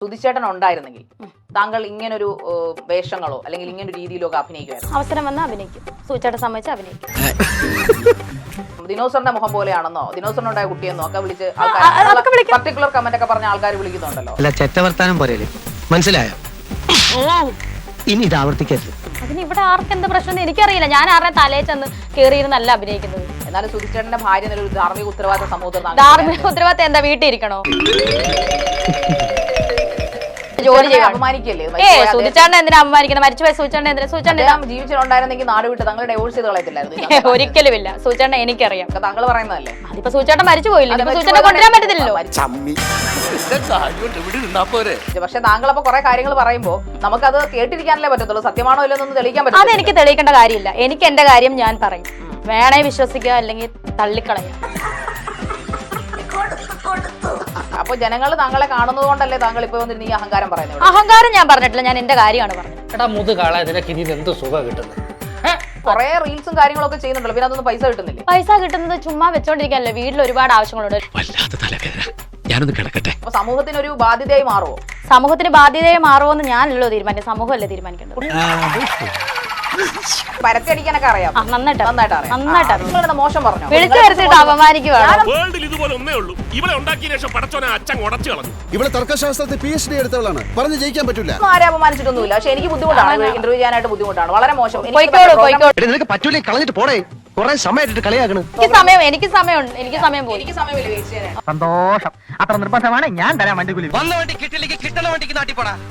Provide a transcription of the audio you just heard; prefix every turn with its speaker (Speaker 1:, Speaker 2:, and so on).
Speaker 1: സുധിച്ചേട്ടൻ ഉണ്ടായിരുന്നെങ്കിൽ താങ്കൾ ഇങ്ങനൊരു വേഷങ്ങളോ അല്ലെങ്കിൽ ഇങ്ങനൊരു രീതിയിലോ ഒക്കെ അഭിനയിക്കുമായിരുന്നു?
Speaker 2: അവസരം വന്നാൽ അഭിനയിക്കും. സൂചേട്ടൻ സമ്മതിച്ച് അഭിനയിക്കും.
Speaker 1: ദിനോസറിന്റെ മുഖം പോലെയാണെന്നോ ദിനോസറിനുണ്ടായ കുട്ടിയെന്നോ ഒക്കെ വിളിച്ച് പർട്ടിക്കുലർ കമന്റ് ഒക്കെ പറഞ്ഞ ആൾക്കാർ വിളിക്കുന്നുണ്ടല്ലോ.
Speaker 3: അല്ല ചെറ്റവർത്താനം പോരല്ലേ, മനസ്സിലായോ? ഇനി ഇത് ആവർത്തിക്കരുത്.
Speaker 2: അതിന് ഇവിടെ ആർക്ക് എന്ത് പ്രശ്നം എനിക്കറിയില്ല. ഞാൻ ആരുടെ തലയിൽ ചെന്ന് കയറിയിരുന്നല്ല അഭിനയിക്കുന്നത്.
Speaker 1: എന്നാലും സുധിച്ചേട്ടന്റെ ഭാര്യ എന്നൊരു ധാർമ്മിക ഉത്തരവാദിത്ത സമൂഹത്തിൽ
Speaker 2: ധാർമ്മിക ഉത്തരവാദിത്തം എന്താ, വീട്ടിൽ ഇരിക്കണോ? ജോലി
Speaker 1: അപമാനിക്കല്ലേ?
Speaker 2: സുധിച്ചേട്ടൻ എന്തിനാ അപമാനിക്കുന്നത്? മരിച്ചുപോയ സുധിച്ചേട്ടൻ എന്തിനാ? സുധിച്ചേട്ടൻ
Speaker 1: ജീവിച്ചിട്ടുണ്ടായിരുന്നെങ്കിൽ നാട് വിട്ട് താങ്കൾ ഡൈവോഴ്സ് ചെയ്ത് കളയത്തില്ലായിരുന്നു?
Speaker 2: ഒരിക്കലും ഇല്ല. സുധിച്ചേട്ടൻ എനിക്കറിയാം.
Speaker 1: താങ്കൾ പറയുന്നതല്ലേ?
Speaker 2: അതിപ്പോ സുധിച്ചേട്ടൻ മരിച്ചു പോയില്ല. സുധിച്ചേട്ടനെ കൊണ്ടുവരാൻ പറ്റത്തില്ലല്ലോ.
Speaker 1: പക്ഷെ താങ്കൾ അപ്പൊ കുറെ കാര്യങ്ങൾ പറയുമ്പോ നമുക്കത് കേട്ടിരിക്കാനല്ലേ പറ്റത്തുള്ളൂ. സത്യമാണോ ഇല്ലെന്നൊന്നും തെളിയിക്കാൻ പറ്റും.
Speaker 2: അത് എനിക്ക് തെളിയിക്കേണ്ട കാര്യമില്ല. എനിക്ക് എന്റെ കാര്യം ഞാൻ പറയും. വേണേ വിശ്വസിക്കുക, അല്ലെങ്കിൽ തള്ളിക്കളയുക.
Speaker 1: അപ്പൊ ജനങ്ങൾ താങ്കളെ കാണുന്നത് കൊണ്ടല്ലേ താങ്കൾ ഇപ്പൊ വന്നിരുന്ന ഈ അഹങ്കാരം പറയുന്നത്?
Speaker 2: അഹങ്കാരം ഞാൻ പറഞ്ഞിട്ടില്ല. ഞാൻ എന്റെ കാര്യമാണ് പറഞ്ഞത്.
Speaker 4: എടാ മുതുകാളെ, നിനക്ക് ഇനി എന്ത് സുഖം കിട്ടുന്നത്?
Speaker 1: കുറെ റീൽസും കാര്യങ്ങളൊക്കെ ചെയ്യുന്നുണ്ടല്ലോ, പിന്നെ അതൊന്നും പൈസ കിട്ടുന്നില്ല.
Speaker 2: പൈസ കിട്ടുന്നത് ചുമ്മാ വെച്ചോണ്ടിരിക്കാനല്ലേ. വീട്ടിൽ ഒരുപാട് ആവശ്യങ്ങളുണ്ട്.
Speaker 3: ഞാനൊന്ന് കിടക്കട്ടെ.
Speaker 1: അപ്പൊ സമൂഹത്തിന് ഒരു ബാധ്യതയായി മാറുമോ?
Speaker 2: സമൂഹത്തിന് ബാധ്യതയായി മാറുമോന്ന് ഞാനല്ലോ തീരുമാനിക്കും. സമൂഹമല്ലേ തീരുമാനിക്കേണ്ടത്.
Speaker 1: പരത്തിയടിക്കാനൊക്കെ അറിയാം.
Speaker 2: നന്നായിട്ട് അറിയാം.
Speaker 1: നിങ്ങളുടെ മോശം പറഞ്ഞു
Speaker 2: വിളിച്ചു വരുത്തിട്ട് അപമാനിക്കുവാണ്.
Speaker 5: ഇവിടെ തർക്കശാസ്ത്രത്തിൽ PhD എടുത്തവളാണ്, പറഞ്ഞു ജയിക്കാൻ പറ്റൂല.
Speaker 1: ആരെ അപമാനിച്ചിട്ടൊന്നുമില്ല. പക്ഷെ എനിക്ക് ബുദ്ധിമുട്ടാണ്, ഇന്റർവ്യൂ ചെയ്യാനായിട്ട് ബുദ്ധിമുട്ടാണ്. വളരെ മോശം.
Speaker 3: നിനക്ക് പറ്റൂലേ, കളഞ്ഞിട്ട് പോടേ. കുറെ സമയമായിട്ട് കളിയാക്കണ്.
Speaker 2: എനിക്ക് സമയമുണ്ട്. എനിക്ക് സമയം പോയി.
Speaker 1: എനിക്ക് സമയമില്ല വെയിറ്റ് ചെയ്യാൻ.
Speaker 6: സന്തോഷം. അത്ര നിർബന്ധമാണ്. ഞാൻ തരാൻ വണ്ടി കൂലി.
Speaker 3: വന്ന വണ്ടി കിട്ടില്ലെങ്കിൽ കിട്ടണ വണ്ടിക്ക് നാട്ടിൽ പോടാ.